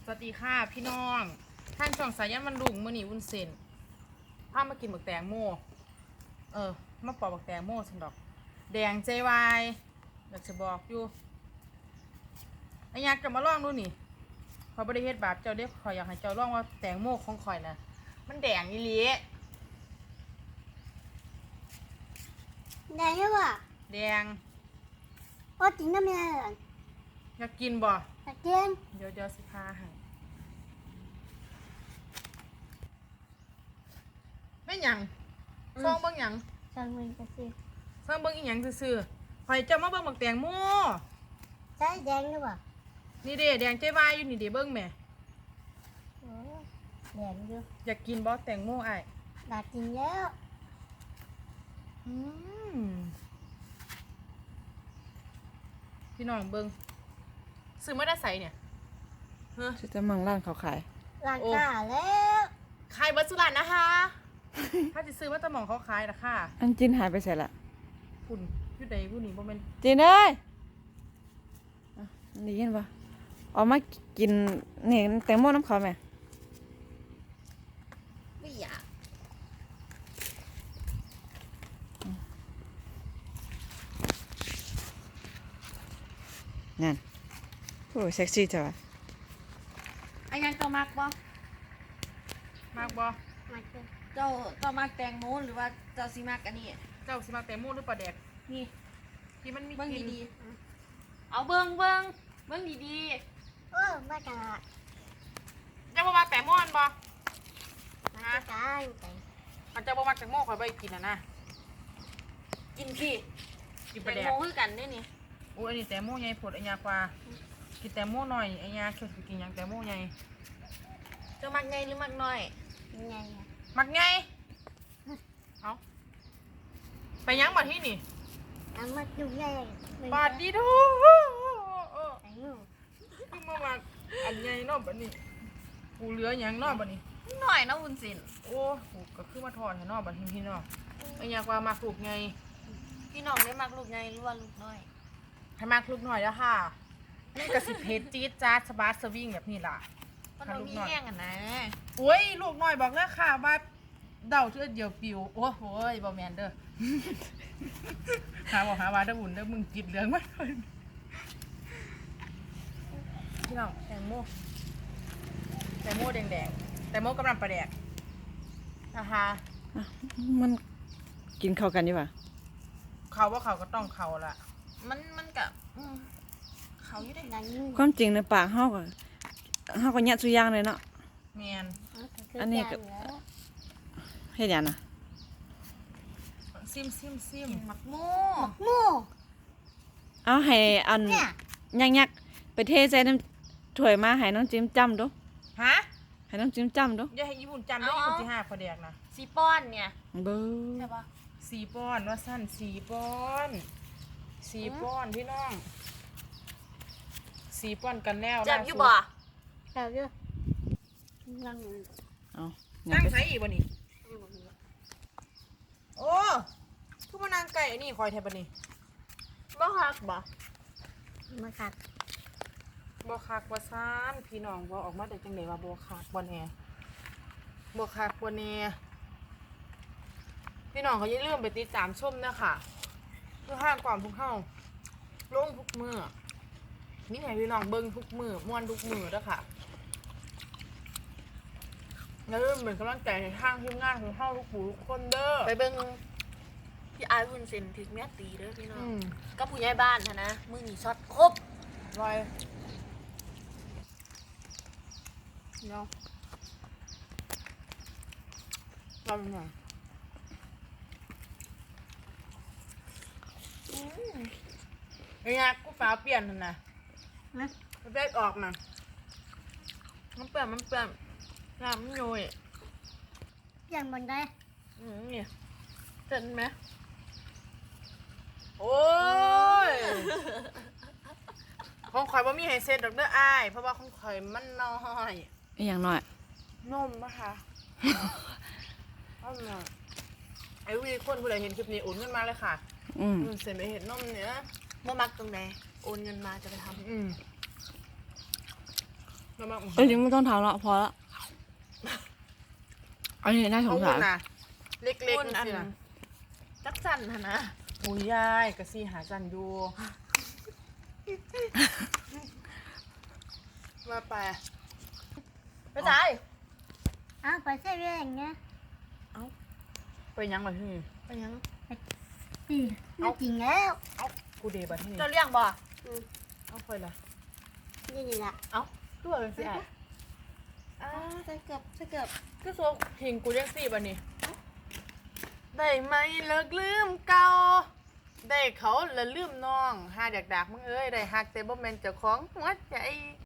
สวัสดีค่ะพี่น้องท่านช่องสายันมันลุงมื่อนี้วุ้นเส้นพามากินบักแตงโมมาปอกบักแตงโมสันดอกแดงใจวายอยากจะบอกอยู่ไอ้ยักษ์จะมาลองดูนี่พอบริเฮ็ดบาปเจ้าเด็กข่อยอยากให้เจ้าลองว่าแตงโมของข่อยนะมันแดงอีหลีแดงใช่ป่ะแดงโอ้จริงนะแม่อยากกินบ่อยากกินเดี๋ยวสิพาให้ไม่หยังซองเบิ่งหยังสั่งมันก็สิซองเบิ่งอีหยังซื่อๆข่อยจะมาเบิ่งบักแตงโมใช่แดงใช่ป่ะนี่เด้แดงใจวายอยู่นี่เด้เบิ่งแม่โอ้แดงอยู่อยากกินบ่แตงโมอ้ายอยากกินแล้วพี่น้องเบิ่งซื้อมาได้ใส่เนี่ยเฮ้อจะมั่งร้านเขาขายร้านค้าแล้วขายเบิดสุรันนะคะ ถ้าจะซื้อว่าตะหมองเขาขายนะค่ะอันจินหายไปใส่ละคุณอยู่ใดผู้นี้บ่แม่นจินเอ้ยได้ยินปะออกมากินนี่แตงโมน้ำเขาไหมไม่อยากนั่นโอ้เซ็กซี่จังวะไอ้ยังเจ้ามักบ่มากบ่มากินเจ้ามักแตงโมหรือว่าเจ้าสิมักอันนี้เจ้าสิมาแตงโมหรือปลาแดกนี่ที่มันมีเบิ่งกลิ่นดีๆเอาเบิ่งดีโอ้มาจากเจ้าบ่มาแตงโมอันบ่มาจากการแต่อันเจ้าบ่มาแตงโมข่อยบ่กินนะๆกินพี่กินปแตลาง แดกโมคือกันเด้นี่โอ้อันนี้แตงโมใหญ่โพดไอ้ยากว่ากินแตงโมหน่อยไอ้ยาแค่สิกินหยังแตงโมใหญ่เจ้ามักใหญ่หรือมักน้อยยังไงมักไงเอาไปยังมาที่นี่เอามาดูแลบาดดีดูแตงโมคือมาอันใหญ่เนาะบัดนี้กูเหลือหยังเนาะบัดนี้น้อยนะวุ้นเส้นโอ้กูก็คือมาทอดให้เนาะบัดนี้พี่เนาะไอ้ยากว่ามักลูกไงพี่น้องได้มักลูกใหญ่หรือว่าลูกน้อยให้มักลูกหน่อยแล้วค่ะนี่ก็สิเผ็ดจี๊ดจ๊าดสบาสวิ่งแบบนี้ล่ะมันบ่มีแห้งอ่ะนะโอ้ยลูกหน่อยบอกเลยค่ะว่าเดาเชื่อเดียวปิวโอ้โหบ่แมนเด้อ หาบอกหาว่าเด้อบุญเด้อมึงกินเหลืองมากเลยพี่น้องแตงโมแตงโมแดงๆแตงโมกำลังประแดกนะคะมันกินเข้ากันอยู่ปะเขาว่าเขาก็ต้องเขาละมันกับเขาอยู่ได้ดังนี้ความจริงในปากเฮาก็แยะสุอยางเลยเนาะแมนอันนี้ก็ เฮ็ดหยังน่ะซิมกินมักโมหมูเอาให้อันเนี่ยยักๆไปเทใส่น้ำถ้วยมาให้น้องจิ้มจ้ำดูฮะให้น้องจิ้มจ้ำดูอย่าให้ญี่ปุ่นจำได้ญี่ปุ่นที่ห้าประแดกนะสีป้อนเนี่ยเบ้อใช่ปะ 4 ป้อนว่าสั้น4 ป้อน4 ป้อนพี่น้อง4 ป้อนกันแล้วจับอยู่บ่เราอยู่ลังเอานั่งใช้อีกบ่นี่โอ้ทุกมานั่งไก่อันนี้คอยแทบบ่นี่บ่ฮักบ่มาขัดบ่คักบ่ซ่านพี่น้องบ่ออกมาได้จังได๋ว่าบ่คักบ่แน่บ่คักบ่แน่พี่น้องเขาอย่าลืมไปติดตามชมนะคะเพื่อห้างความพวกเฮาลงทุกมื้อนี่ให้พี่น้องเบิ่งทุกมื้อม่วนทุกมื้อเด้อค่ะอย่าลืมเป็นกำลังใจให้ทางทีมงานของเฮาทุกผู้ทุกคนเด้อไปเบิ่งพี่อายวุ้นเส้นถึกแม่ตีเด้อพี่น้องอืมก็ผู้ใหญ่บ้านนะมื้อนี้ช็อตครบไว้เนาะลองหน่อยไอ้ยากูฟ้าเปลี่ยนนั่นนะนะมันแบกออกนะมันเปลี่ยนน้ำมันโยยยังบนได้นี่เห็นไหมโอ้ย ของข่อยว่ามีไฮเซนดอกเด้ออ้ายเพราะว่าของข่อยมันน้อยอีหยังน้อยนมนะคะเอาหน่อยไอ้วีคนผู้ใดเห็นคลิปนี้โอนเงินมาเลยค่ะ เสร็จไปเห็นนมเนี้ยบ่มักตรงใดโอนเงินมาจะไปทำอืมแล้วมาเอ้ยนี่ไม่ต้องทำแล้วพอละอันนี้น่าสเอางวุ้สารนนะเล็กคุณๆอันี่นนะจักสันหั่นนะโอ้ยยายกะซี่หาจันอยู่มาไปไปจ่ายอ้าวไปเซเว่นเงี้ยไปยังมาที่นี่ไปยังน่าจริงแล้วกูเดบัดที่นี่เราเลี้ยงบ่เอาไปละนี่แหละเอาตัวเป็นสิไอ้อ่าใส่เกือบก็โซหิงกูเรียกสิบัดนี้ได้ไหมเลิกลืมเก่าได้เขาละลืมน้องหาดักๆมึงเอ้ยได้ฮักแต่บ่แม่นเจ้าของหัวใจ